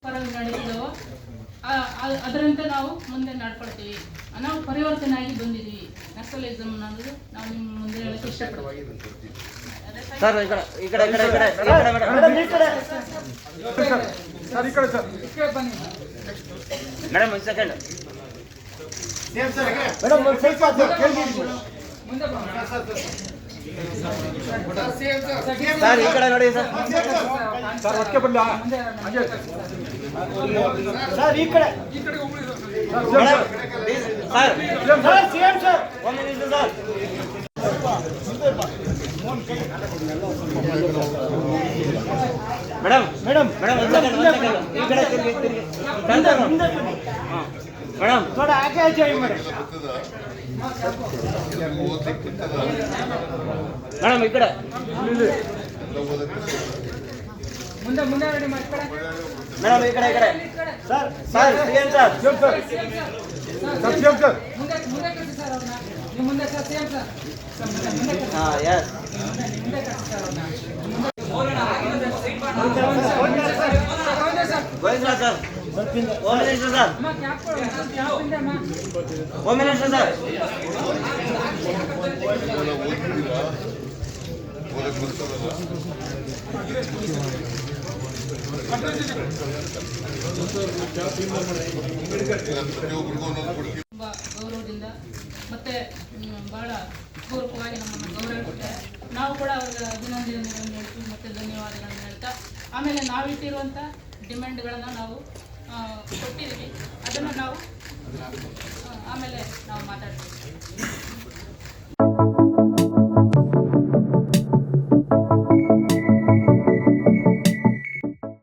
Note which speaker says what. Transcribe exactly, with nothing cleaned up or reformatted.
Speaker 1: ನಡೆಯುತ್ತೋ ಅದರಂತೆ ನಾವು ಮುಂದೆ ನಡ್ಕೊಳ್ತೀವಿ. ನಾವು ಪರಿವರ್ತನೆಯಾಗಿ ಬಂದಿದ್ದೀವಿ. ನಕ್ಸಲಿಸಮ್ ಅನ್ನೋದು ನಾವು ನಿಮ್ಮ ಮುಂದೆ ಹೇಳಕ್ಕೆ ಇಷ್ಟಪಡ್ತೀವಿ.
Speaker 2: ಸರ್ ಈ ಕಡೆ ಈ ಕಡೆ ಈ ಕಡೆ ಈ ಕಡೆ ಮೇಡಮ್ ಈ ಕಡೆ
Speaker 3: ಸರ್ ಈ ಕಡೆ ಸರ್
Speaker 1: ಬನ್ನಿ
Speaker 2: ಮೇಡಮ್ ಒಂದು ಸೆಕೆಂಡ್
Speaker 3: ಮೇಡಮ್ ಒಂದು ಸ್ವಲ್ಪ
Speaker 1: ಮುಂದೆ
Speaker 2: ಸರ್ ಈ ಕಡೆ ನೋಡಿ ಸರ್
Speaker 3: ಸರ್ ಒಟ್ಟಿಗೆ ಬರಲ್ಲ ಸರ್ ಈ ಕಡೆ
Speaker 2: ಸರ್ ಸರ್ ಸಿಎಂ ಸರ್ ಒಂದು ನಿಮಿಷ ಸರ್ ಮೇಡಮ್ ಮೇಡಮ್ ಮೇಡಮ್ ಒಂದು ಸೆಕೆಂಡ್ ಒಂದು ಸೆಕೆಂಡ್ ಈ ಕಡೆ ತಿರುಗಿ ತಿರುಗಿ ಹಾಂ ಮೇಡಮ್
Speaker 3: थोड़ा आगे आ जाइए मैडम
Speaker 2: ಮೇಡಮ್ ಈ ಕಡೆ
Speaker 1: ಮುಂದೆ ಮುಂದೆ ರೆಡಿ ಮಾಡಿ ಕಡೆ
Speaker 2: ಮೇಡಮ್ ಈ ಕಡೆ ಈ ಕಡೆ sir sir CM sir
Speaker 3: CM sir sir CM sir
Speaker 1: ಮುಂದೆ ಮುಂದೆ ಕಳಿಸಿ ಸರ್ ಅವ್ರನ್ನ ನಿಮ್ಮ ಮುಂದೆ ಸರ್ ಸಿಎಂ ಸರ್ ಮುಂದೆ ಕಳಿಸಿ
Speaker 2: ಹಾಂ ಎಸ್
Speaker 1: ಮುಂದೆ ಕಳಿಸಿ ಸರ್ ಅವ್ರನ್ನ
Speaker 2: Govinda sir home minister sir
Speaker 1: ಅಮ್ಮ ಕ್ಯಾಪ್ ಕೊಡು ಕ್ಯಾಪ್ ಇಂದ ಅಮ್ಮ
Speaker 2: ಹೋಮ್ ಮಿನಿಸ್ಟರ್ ಸರ್
Speaker 1: ತುಂಬ ಗೌರವದಿಂದ ಮತ್ತೆ ಬಹಳ ಪೂರ್ವಕವಾಗಿ ನಮ್ಮನ್ನು ಗೌರವಿಸುತ್ತಾರೆ. ನಾವು ಕೂಡ ಅವರಿಗೆ ಅಭಿನಂದನೆಗಳನ್ನು ಹೇಳ್ತೀವಿ ಮತ್ತು ಧನ್ಯವಾದಗಳನ್ನು ಹೇಳ್ತಾ ಆಮೇಲೆ ನಾವಿಟ್ಟಿರುವಂಥ ಡಿಮ್ಯಾಂಡ್ಗಳನ್ನು ನಾವು ಕೊಟ್ಟಿದ್ದೀವಿ. ಅದನ್ನು ನಾವು ಆಮೇಲೆ ನಾವು ಮಾತಾಡ್ತೀವಿ.